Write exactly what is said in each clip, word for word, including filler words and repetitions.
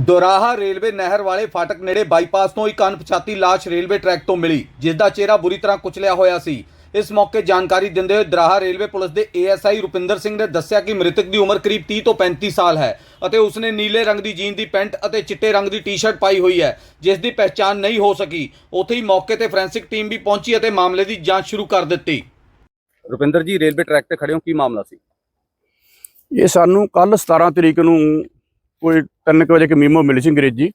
Doraha railway ਨਹਿਰ ਵਾਲੇ ਫਾਟਕ ਨੇੜੇ ਬਾਈਪਾਸ ਤੋਂ ਇੱਕ ਅਣਪਛਾਤੀ ਲਾਸ਼ ਰੇਲਵੇ ਟਰੈਕ ਤੋਂ ਮਿਲੀ, ਜਿਸ ਦਾ ਚਿਹਰਾ ਬੁਰੀ ਤਰ੍ਹਾਂ ਕੁਚਲਿਆ ਹੋਇਆ ਸੀ। ਇਸ ਮੌਕੇ ਜਾਣਕਾਰੀ ਦਿੰਦੇ ਹੋਏ ਦੋਰਾਹਾ ਰੇਲਵੇ ਪੁਲਿਸ ਦੇ ਏਐਸਆਈ ਰੁਪਿੰਦਰ ਸਿੰਘ ਨੇ ਦੱਸਿਆ ਕਿ ਮ੍ਰਿਤਕ ਦੀ ਉਮਰ ਕਰੀਬ ਤੀਹ ਤੋਂ ਪੈਂਤੀ ਸਾਲ ਹੈ ਅਤੇ ਉਸਨੇ ਨੀਲੇ ਰੰਗ ਦੀ ਜੀਨ ਦੀ ਪੈਂਟ ਅਤੇ ਚਿੱਟੇ ਰੰਗ ਦੀ ਟੀ-ਸ਼ਰਟ ਪਾਈ ਹੋਈ ਹੈ, ਜਿਸ ਦੀ ਪਹਿਚਾਣ ਨਹੀਂ ਹੋ ਸਕੀ। ਉੱਥੇ ਹੀ ਮੌਕੇ ਤੇ ਫੋਰੈਂਸਿਕ ਟੀਮ ਵੀ ਪਹੁੰਚੀ ਅਤੇ ਮਾਮਲੇ ਦੀ ਜਾਂਚ ਸ਼ੁਰੂ ਕਰ ਦਿੱਤੀ। ਰੁਪਿੰਦਰ ਜੀ, ਰੇਲਵੇ ਟਰੈਕ ਤੇ ਖੜੇ ਹੋ, ਕੀ ਮਾਮਲਾ ਸੀ? ਇਹ ਸਾਨੂੰ ਕੱਲ ਸਤਾਰਾਂ ਤਰੀਕ ਨੂੰ ਕੋਈ ਤਿੰਨ ਕੁ ਵਜੇ ਇੱਕ ਮੀਮੋ ਮਿਲੀ ਸੀ ਅੰਗਰੇਜ਼ੀ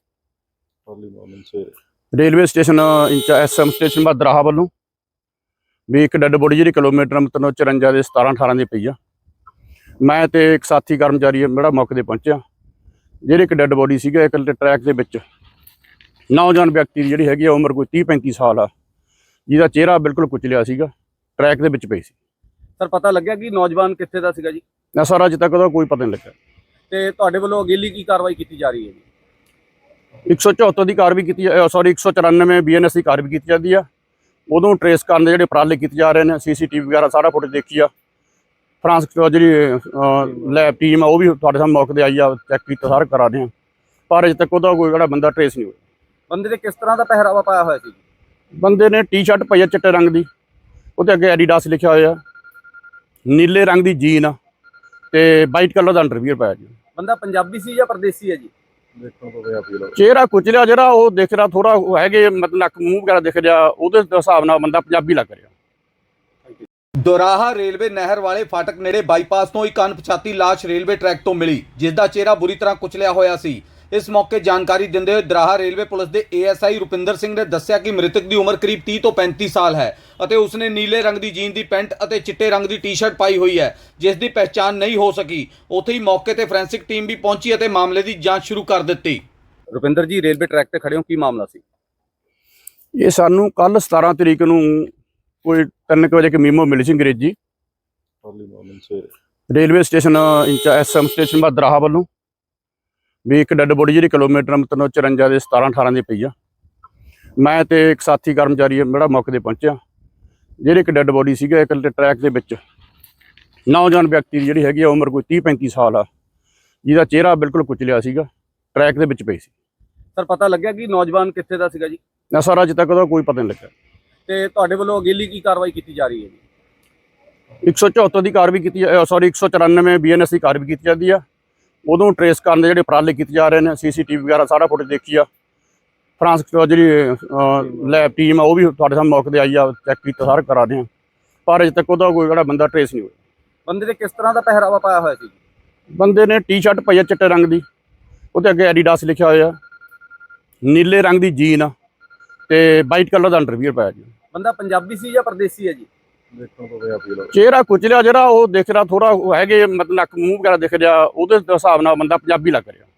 ਰੇਲਵੇ ਸਟੇਸ਼ਨ ਇੰਚਾ ਐਸਐਮ ਸਟੇਸ਼ਨ ਦੋਰਾਹਾ ਵੱਲੋਂ ਵੀ ਇੱਕ ਡੈੱਡ ਬੋਡੀ ਜਿਹੜੀ ਕਿਲੋਮੀਟਰ ਮਤਲਬ ਚੁਰੰਜਾ ਦੇ ਸਤਾਰਾਂ ਅਠਾਰਾਂ ਦੀ ਪਈ ਆ। ਮੈਂ ਤੇ ਇੱਕ ਸਾਥੀ ਕਰਮਚਾਰੀ ਜਿਹੜਾ ਮੌਕੇ ਤੇ ਪਹੁੰਚਿਆ। ਜਿਹੜੀ ਇੱਕ ਡੈੱਡ ਬੋਡੀ ਸੀਗਾ ਇੱਕ ਟਰੈਕ ਦੇ ਵਿੱਚ ਨੌਜਵਾਨ ਵਿਅਕਤੀ ਦੀ ਜਿਹੜੀ ਹੈਗੀ ਆ ਉਮਰ ਕੋਈ ਤੀਹ ਪੈਂਤੀ ਸਾਲ ਆ, ਜਿਹਦਾ ਚਿਹਰਾ ਬਿਲਕੁਲ ਕੁਚਲਿਆ ਸੀਗਾ, ਟਰੈਕ ਦੇ ਵਿੱਚ ਪਈ ਸੀ। ਸਰ, ਪਤਾ ਲੱਗਿਆ ਕਿ ਨੌਜਵਾਨ ਕਿੱਥੇ ਦਾ ਸੀਗਾ ਜੀ? ਨਾ ਸਰ, ਅਜੇ ਤੱਕ ਉਹਦਾ ਕੋਈ ਪਤਾ ਨਹੀਂ ਲੱਗਾ। ਤੇ ਤੁਹਾਡੇ ਵੱਲੋਂ ਅਗੇਲੀ ਕੀ ਕਾਰਵਾਈ ਕੀਤੀ ਜਾ ਰਹੀ ਹੈ ਜੀ? ਇੱਕ ਸੌ ਚੌਹੱਤਰ ਦੀ ਕਾਰਵਾਈ ਕੀਤੀ ਸੌਰੀ ਇੱਕ ਸੌ ਚੁਰਾਨਵੇਂ ਬੀਐਨਐਸ ਦੀ ਕਾਰਵਾਈ ਕੀਤੀ ਜਾਂਦੀ ਆ। ਉਦੋਂ ਟਰੇਸ ਕਰਨ ਦੇ ਜਿਹੜੇ ਉਪਰਾਲੇ ਕੀਤੇ ਜਾ ਰਹੇ ਨੇ, ਸੀਸੀਟੀਵੀ ਵਗੈਰਾ ਸਾਰਾ ਫੁਟੇਜ ਦੇਖੀ ਆ। ਫਰਾਂਸ ਜਿਹੜੀ ਲੈਬ ਟੀਮ ਆ ਉਹ ਵੀ ਤੁਹਾਡੇ ਸਾਹਮਣੇ ਮੌਕੇ ਤੇ ਆਈ ਆ, ਚੈੱਕ ਕੀਤਾ, ਸਾਰਾ ਕਰਾ ਰਹੇ ਆ, ਪਰ ਅਜੇ ਤੱਕ ਉਹਦਾ ਕੋਈ ਜਿਹੜਾ ਬੰਦਾ ਟਰੇਸ ਨਹੀਂ ਹੋਇਆ। ਬੰਦੇ ਦੇ ਕਿਸ ਤਰ੍ਹਾਂ ਦਾ ਪਹਿਰਾਵਾ ਪਾਇਆ ਹੋਇਆ ਸੀ? ਬੰਦੇ ਨੇ ਟੀ-ਸ਼ਰਟ ਪਾਈ ਆ ਚਿੱਟੇ ਰੰਗ ਦੀ, ਉਹਦੇ ਅੱਗੇ ਐਡੀਡਾਸ ਲਿਖਿਆ ਹੋਇਆ, ਨੀਲੇ ਰੰਗ ਦੀ ਜੀਨ ਆ ਤੇ ਵਾਈਟ ਕਲਰ ਦਾ ਅੰਡਰਵੀਅਰ ਪਾਇਆ ਜੀ। ਬੰਦਾ ਪੰਜਾਬੀ ਸੀ ਜਾਂ ਪਰਦੇਸੀ ਹੈ ਜੀ? ਚਿਹਰਾ ਕੁਚਲਿਆ ਜਿਹੜਾ ਉਹ ਦਿਖ ਰਿਹਾ, ਥੋੜਾ ਹੈਗੇ ਮਤਲਬ ਨੱਕ ਮੂੰਹ ਵਗੈਰਾ ਦਿਖ ਰਿਹਾ, ਉਹਦੇ ਹਿਸਾਬ ਨਾਲ ਬੰਦਾ ਪੰਜਾਬੀ ਲੱਗ ਰਿਹਾ। ਦੋਰਾਹਾ ਰੇਲਵੇ ਨਹਿਰ ਵਾਲੇ ਫਾਟਕ ਨੇੜੇ ਬਾਈਪਾਸ ਤੋਂ ਇੱਕ ਅਣਪਛਾਤੀ ਲਾਸ਼ ਰੇਲਵੇ ਟਰੈਕ ਤੋਂ ਮਿਲੀ, ਜਿਸ ਦਾ ਚਿਹਰਾ ਬੁਰੀ ਤਰ੍ਹਾਂ ਕੁਚਲਿਆ ਹੋਇਆ ਸੀ। ਇਸ ਮੌਕੇ ਜਾਣਕਾਰੀ ਦਿੰਦੇ ਹੋਏ ਦੋਰਾਹਾ ਰੇਲਵੇ ਪੁਲਿਸ ਦੇ ਏਐਸਆਈ ਰੁਪਿੰਦਰ ਸਿੰਘ ਨੇ ਦੱਸਿਆ ਕਿ ਮ੍ਰਿਤਕ ਦੀ ਉਮਰ ਕਰੀਬ ਤੀਹ ਤੋਂ ਪੈਂਤੀ ਸਾਲ ਹੈ ਅਤੇ ਉਸਨੇ ਨੀਲੇ ਰੰਗ ਦੀ ਜੀਨ ਦੀ ਪੈਂਟ ਅਤੇ ਚਿੱਟੇ ਰੰਗ ਦੀ ਟੀ-ਸ਼ਰਟ ਪਾਈ ਹੋਈ ਹੈ, ਜਿਸ ਦੀ ਪਹਿਚਾਣ ਨਹੀਂ ਹੋ ਸਕੀ। ਉੱਥੇ ਹੀ ਮੌਕੇ ਤੇ ਫੋਰੈਂਸਿਕ ਟੀਮ ਵੀ ਪਹੁੰਚੀ ਅਤੇ ਮਾਮਲੇ ਦੀ ਜਾਂਚ ਸ਼ੁਰੂ ਕਰ ਦਿੱਤੀ। ਰੁਪਿੰਦਰ ਜੀ, ਰੇਲਵੇ ਟਰੈਕ ਤੇ ਖੜੇ ਹੋ, ਕੀ ਮਾਮਲਾ ਸੀ? ਇਹ ਸਾਨੂੰ ਕੱਲ ਸਤਾਰਾਂ ਤਰੀਕ ਨੂੰ ਕੋਈ ਤਿੰਨ ਕੁ ਵਜੇ ਇੱਕ ਮੀਮੋ ਮਿਲੀ ਸੀ ਅੰਗਰੇਜ਼ੀ ਰੇਲਵੇ ਸਟੇਸ਼ਨ ਇੰਚਾ ਐਸਐਮ ਸਟੇਸ਼ਨ ਦੋਰਾਹਾ ਵੱਲੋਂ ਵੀ ਇੱਕ ਡੈੱਡ ਬੋਡੀ ਜਿਹੜੀ ਕਿਲੋਮੀਟਰ ਮਤਲਬ ਚੁਰੰਜਾ ਦੇ ਸਤਾਰਾਂ ਅਠਾਰਾਂ ਦੀ ਪਈ ਆ। ਮੈਂ ਤੇ ਇੱਕ ਸਾਥੀ ਕਰਮਚਾਰੀ ਜਿਹੜਾ ਮੌਕੇ ਤੇ ਪਹੁੰਚਿਆ। ਜਿਹੜੀ ਇੱਕ ਡੈੱਡ ਬੋਡੀ ਸੀਗਾ ਇੱਕ ਟਰੈਕ ਦੇ ਵਿੱਚ ਨੌਜਵਾਨ ਵਿਅਕਤੀ ਦੀ ਜਿਹੜੀ ਹੈਗੀ ਆ ਉਮਰ ਕੋਈ ਤੀਹ ਪੈਂਤੀ ਸਾਲ ਆ, ਜਿਹਦਾ ਚਿਹਰਾ ਬਿਲਕੁਲ ਕੁਚਲਿਆ ਸੀਗਾ, ਟਰੈਕ ਦੇ ਵਿੱਚ ਪਈ ਸੀ। ਸਰ, ਪਤਾ ਲੱਗਿਆ ਕਿ ਨੌਜਵਾਨ ਕਿੱਥੇ ਦਾ ਸੀਗਾ ਜੀ? ਨਾ ਸਰ, ਅਜੇ ਤੱਕ ਉਹਦਾ ਕੋਈ ਪਤਾ ਨਹੀਂ ਲੱਗਾ। ਤੇ ਤੁਹਾਡੇ ਵੱਲੋਂ ਅਗੇਲੀ ਕੀ ਕਾਰਵਾਈ ਕੀਤੀ ਜਾ ਰਹੀ ਹੈ ਜੀ? ਇੱਕ ਸੌ ਚੌਹੱਤਰ ਦੀ ਕਾਰਵਾਈ ਕੀਤੀ ਸੌਰੀ ਇੱਕ ਸੌ ਚੁਰਾਨਵੇਂ ਬੀਐਨਐਸ ਦੀ ਕਾਰਵਾਈ ਕੀਤੀ ਜਾਂਦੀ ਆ। ਉਦੋਂ ਟਰੇਸ ਕਰਨ ਦੇ ਜਿਹੜੇ ਉਪਰਾਲੇ ਕੀਤੇ ਜਾ ਰਹੇ ਨੇ, ਸੀਸੀਟੀਵੀ ਵਗੈਰਾ ਸਾਰਾ ਫੁਟੇਜ ਦੇਖੀ ਆ। ਫਰਾਂਸ ਜਿਹੜੀ ਲੈਬ ਟੀਮ ਆ ਉਹ ਵੀ ਤੁਹਾਡੇ ਸਾਹਮਣੇ ਮੌਕੇ ਤੇ ਆਈ ਆ, ਚੈੱਕ ਕੀਤਾ, ਸਾਰਾ ਕਰਾ ਰਹੇ ਆ, ਪਰ ਅਜੇ ਤੱਕ ਉਹਦਾ ਕੋਈ ਜਿਹੜਾ ਬੰਦਾ ਟਰੇਸ ਨਹੀਂ ਹੋਇਆ। ਬੰਦੇ ਦੇ ਕਿਸ ਤਰ੍ਹਾਂ ਦਾ ਪਹਿਰਾਵਾ ਪਾਇਆ ਹੋਇਆ ਸੀ? ਬੰਦੇ ਨੇ ਟੀ-ਸ਼ਰਟ ਪਾਈ ਆ ਚਿੱਟੇ ਰੰਗ ਦੀ, ਉਹਦੇ ਅੱਗੇ ਐਡੀਡਾਸ ਲਿਖਿਆ ਹੋਇਆ, ਨੀਲੇ ਰੰਗ ਦੀ ਜੀਨ ਆ ਤੇ ਵਾਈਟ ਕਲਰ ਦਾ ਅੰਡਰਵੀਅਰ ਪਾਇਆ ਜੀ। ਬੰਦਾ ਪੰਜਾਬੀ ਸੀ ਜਾਂ ਪਰਦੇਸੀ ਹੈ ਜੀ? ਚਿਹਰਾ ਕੁਚਲਿਆ ਜਿਹੜਾ ਉਹ ਦਿਖ ਰਿਹਾ, ਥੋੜਾ ਹੈਗੇ ਮਤਲਬ ਨੱਕ ਮੂੰਹ ਵਗੈਰਾ ਦਿਖ ਰਿਹਾ, ਉਹਦੇ ਹਿਸਾਬ ਨਾਲ ਬੰਦਾ ਪੰਜਾਬੀ ਲੱਗ ਰਿਹਾ।